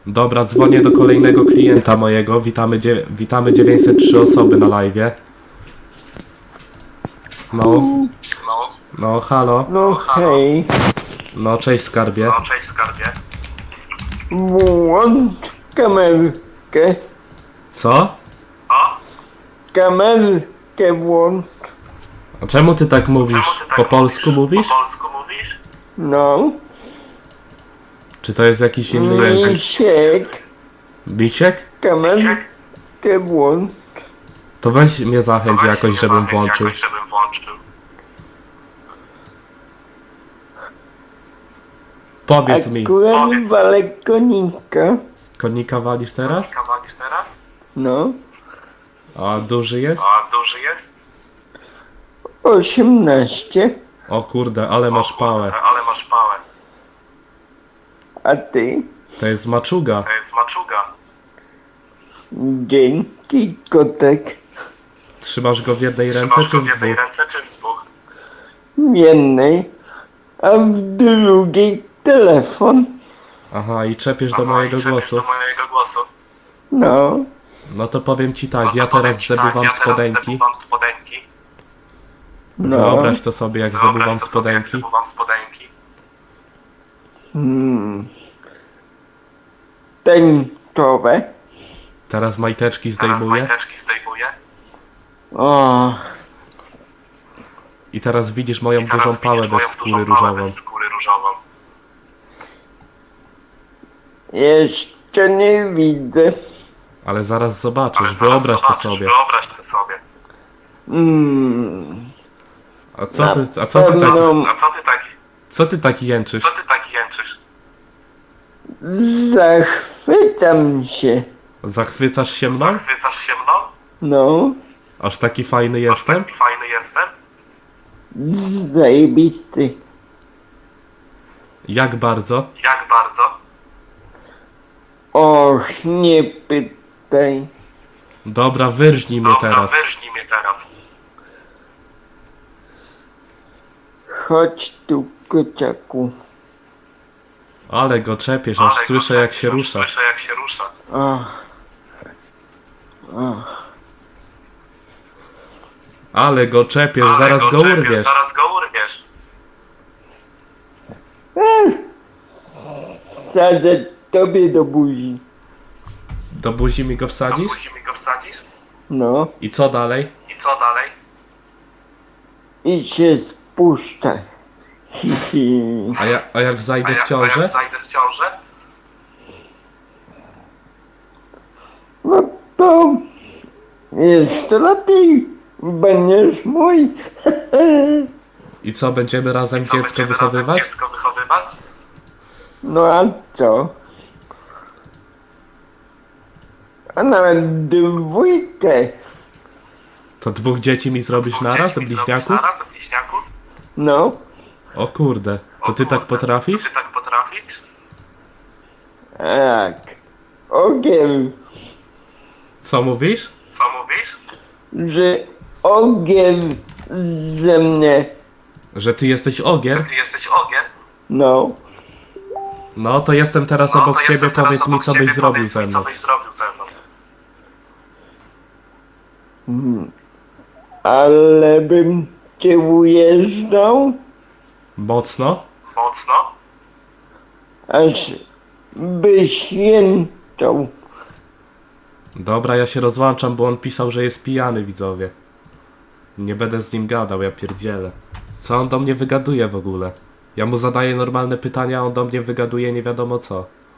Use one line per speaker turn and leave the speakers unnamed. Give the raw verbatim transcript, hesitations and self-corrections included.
Dobra, dzwonię do kolejnego klienta mojego. Witamy, dzie witamy dziewięćset trzy osoby na live'ie. No. No, halo.
No hej,
No, cześć skarbie.
No, cześć skarbie.
włącz kamerkę,
Co?
O?
kamerkę włącz,
A czemu ty tak mówisz?
Czemu ty tak
Po polsku mówisz?
Po polsku mówisz?
no,
Czy to jest jakiś inny język?
misiek,
Misiek?
kamerkę włącz,
To weź mnie zachęć
Weź
jakoś,
mnie
żebym
zachęć
włączył.
Jakoś, żebym włączył.
Powiedz mi,
akurat
Powiedz.
walę konika,
konika walisz teraz?
Konika walisz teraz?
no,
A duży jest?
A duży jest?
osiemnaście,
O kurde, ale masz
O
pałę.
kurde, ale masz pałę.
a ty?
To jest maczuga.
To jest maczuga.
Dzięki kotek,
Trzymasz go w jednej ręce
Trzymasz
czy
go
w
w jednej
dwóch?
ręce czy w dwóch?
w jednej, a w drugiej telefon,
Aha, i czepiesz do
Aha,
mojego
i czepiesz
głosu.
do mojego głosu.
no,
No to powiem ci
No
tak,
to
ja
powiem
teraz
ci tak,
zebuwam
ja teraz
spodenki.
zebuwam spodenki.
no,
Wyobraź to sobie, jak
Wyobraź
zebuwam
to sobie, jak
spodenki.
zebuwam spodenki.
hmm, tęczowe,
Teraz majteczki
Teraz
zdejmuję.
majteczki zdejmuję.
o,
I teraz widzisz moją
I teraz
dużą
widzisz
pałę bez
moją
skóry
dużą pałę
różową.
bez skóry różową.
jeszcze nie widzę.
Ale zaraz zobaczysz,
Ale zaraz
wyobraź to
zobaczysz,
sobie.
Wyobraź to sobie.
Mm,
A co ty, a
na
co ty tak,
pewno
A co ty taki,
co ty tak jęczysz?
co ty taki jęczysz?
zachwycam się.
Zachwycasz się mną?
Zachwycasz się mną?
No,
Aż taki fajny
Aż
jestem?
taki fajny jestem?
zajebisty.
Jak bardzo?
Jak bardzo?
Och, nie pytaj.
Dobra, wyrżnij mnie
Dobra,
teraz.
wyrżnij mnie teraz.
Chodź tu, kociaku.
Ale go czepiesz, aż
Ale
słyszę
go
jak się
aż
rusza.
Słyszę jak się rusza.
Och. Och.
Ale go czepiesz,
Ale
zaraz go
czepiesz,
urwiesz.
Zaraz go urwiesz.
Sadzę tobie do buzi.
Do buzi mi go
To
wsadzisz?
musi mi go wsadzisz?
No,
I co dalej?
I co dalej?
i się spuszczaj. Hi, hi.
A, ja, a jak
A
zajdę
jak,
w
a
ciążę?
jak zajdę w ciążę?
No to jeszcze lepiej. Będziesz mój.
I co, będziemy razem
Co,
dziecko
będziemy
wychowywać?
razem dziecko wychowywać?
No a co? A nawet dwójkę.
To dwóch dzieci mi zrobisz
Dwóch
naraz,
dzieci mi
bliźniaków?
zrobisz Naraz, bliźniaków?
No,
O kurde, to ty tak potrafisz?
Ty tak potrafisz?
tak. Ogiel,
Co mówisz?
Co mówisz?
że ogiel ze mnie.
Że ty jesteś ogier?
Ty jesteś ogier?
No,
No to jestem teraz
No,
obok
to
ciebie,
jestem teraz
powiedz mi
obok
co
ciebie,
byś zrobił
powiedz
ze
mi,
mną.
Co byś zrobił ze mną?
ale bym cię ujeżdżał,
Mocno?
Mocno?
aż byś jęczał.
Dobra, ja się rozłączam, bo on pisał, że jest pijany, widzowie. Nie będę z nim gadał, ja pierdzielę. Co on do mnie wygaduje w ogóle? Ja mu zadaję normalne pytania, a on do mnie wygaduje nie wiadomo co.